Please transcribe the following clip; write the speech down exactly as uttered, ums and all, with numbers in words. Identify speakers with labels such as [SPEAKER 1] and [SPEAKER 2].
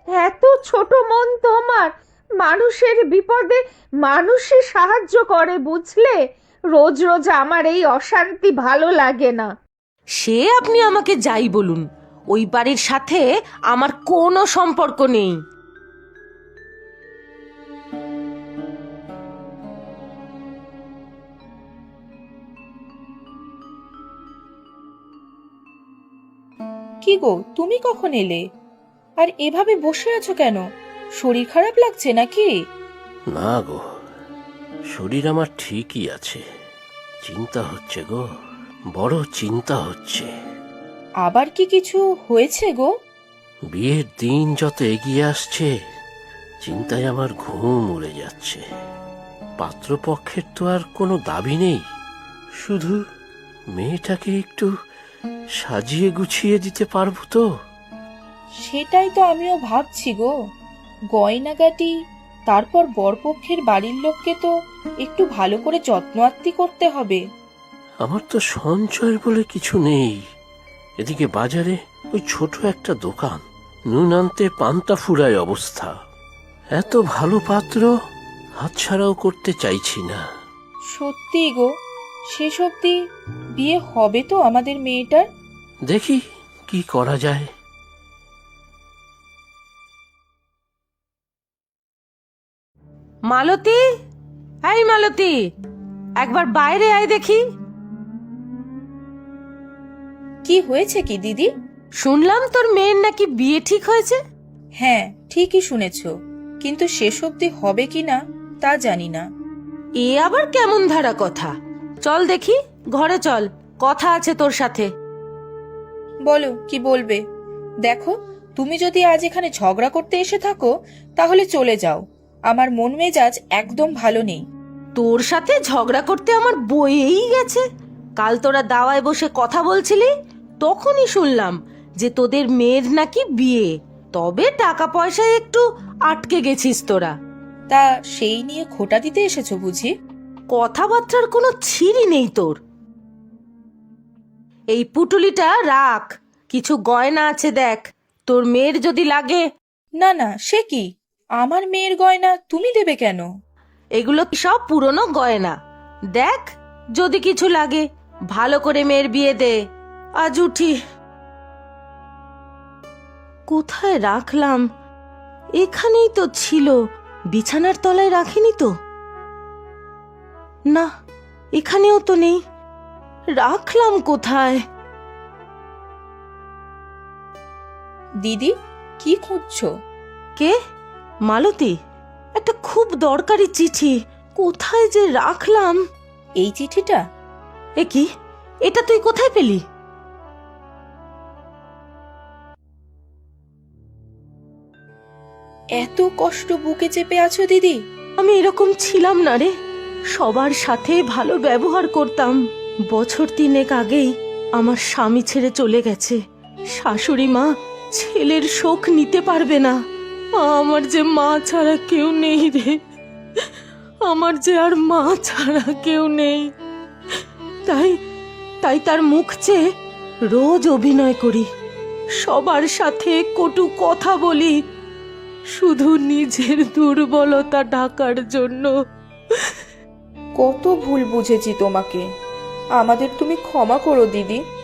[SPEAKER 1] এত ছোট মন তোমার! মানুষের বিপদে মানুষই সাহায্য করে, বুঝলে? রোজ রোজ আমার এই অশান্তি ভালো লাগে না।
[SPEAKER 2] সে আপনি আমাকে যাই বলুন, ওই বাড়ির সাথে আমার কোনো সম্পর্ক নেই।
[SPEAKER 3] কি গো, তুমি কখন এলে? আর এভাবে বসে আছো কেন? শরীর খারাপ লাগছে নাকি?
[SPEAKER 4] না গো, শরীর আমার ঠিকই আছে। চিন্তা হচ্ছে গো, বড় চিন্তা হচ্ছে।
[SPEAKER 3] আবার কি কিছু হয়েছে গো?
[SPEAKER 4] বিয়ের দিন যত এগিয়ে আসছে, চিন্তায় আমার ঘুম উড়ে যাচ্ছে। পাত্রপক্ষের তো আর কোনো দাবি নেই, শুধু মেয়েটাকে একটু সাজিয়ে গুছিয়ে দিতে পারবো তো?
[SPEAKER 3] সেটাই তো আমিও ভাবছি গো। গয়নাগাটি, তারপর বরপক্ষের বাড়ির লোককে তো একটু ভালো করে যত্ন আত্তি করতে হবে।
[SPEAKER 4] আমার তো সঞ্চয় বলে কিছু নেই। এদিকে বাজারে ওই ছোট একটা দোকান, নুন আনতে পান্তা ফুরায় অবস্থা। এত ভালো পাত্র হাতছাড়াও করতে চাইছি না।
[SPEAKER 3] সত্যি গো, শেষ অবধি বিয়ে হবে তো আমাদের মেয়েটার?
[SPEAKER 4] দেখি কি করা যায়।
[SPEAKER 2] মালতী, এই মালতী, একবার বাইরে আয় দেখি।
[SPEAKER 3] কি হয়েছে কি দিদি?
[SPEAKER 2] শুনলাম তোর মেয়ের নাকি বিয়ে ঠিক হয়েছে।
[SPEAKER 3] হ্যাঁ, ঠিকই শুনেছ, কিন্তু শেষ অবধি হবে কিনা তা জানি না।
[SPEAKER 2] এ আবার কেমন ধারা কথা? চল দেখি, ঘরে চল, কথা আছে তোর সাথে।
[SPEAKER 3] বলো, কি বলবে? দেখো, তুমি যদি আজ এখানে ঝগড়া করতে এসে থাকো তাহলে চলে যাও। আমার মন মেজাজ একদম ভালো নেই।
[SPEAKER 2] তোর সাথে ঝগড়া করতে আমার বয়েই গেছে। কাল তোরা দাওয়ায় বসে কথা বলছিলি, তখনই শুনলাম যে তোদের মেয়ের নাকি বিয়ে। তবে টাকা পয়সায় একটু আটকে গেছিস তোরা।
[SPEAKER 3] তা সেই নিয়ে খোঁটা দিতে এসেছো বুঝি?
[SPEAKER 2] কথাবার্তার কোনো ছিরি নেই তোর। এই পুটুলিটা রাখ, কিছু গয়না আছে দেখ, তোর মেয়ের যদি লাগে।
[SPEAKER 3] না না, সে কি? আমার মেয়ের গয়না তুমি দেবে কেন?
[SPEAKER 2] এগুলো সব পুরনো গয়না, দেখ যদি কিছু লাগে। ভালো করে মেয়ের বিয়ে দে। আজ উঠি, কোথায় রাখলাম? এখানেই তো ছিল, বিছানার তলায় রাখিনি তো। না, এখানেও তো নেই। রাখলাম কোথায়?
[SPEAKER 3] দিদি, কি খুঁজছো?
[SPEAKER 2] কে? মালতী, একটা খুব দরকারি চিঠি, কোথায় যে রাখলাম।
[SPEAKER 3] এই চিঠিটা?
[SPEAKER 2] এ কি, এটা তুই কোথায় পেলি?
[SPEAKER 3] এত কষ্ট বুকে চেপে আছো দিদি?
[SPEAKER 2] আমি এরকম ছিলাম না রে, সবার সাথে ভালো ব্যবহার করতাম। বছর তিনেক আগেই আমার স্বামী ছেড়ে চলে গেছে। শাশুড়ি মা ছেলের শোক নিতে পারবে না। আমার যে মা ছাড়া কেউ নেই রে, আমার যে আর মা ছাড়া কেউ নেই। তাই তাই তার মুখ চেয়ে রোজ অভিনয় করি, সবার সাথে কটু কথা বলি, শুধু নিজের দুর্বলতা ঢাকার জন্য।
[SPEAKER 3] কত ভুল বুঝেছি তোমাকে, আমাদের তুমি ক্ষমা করো দিদি।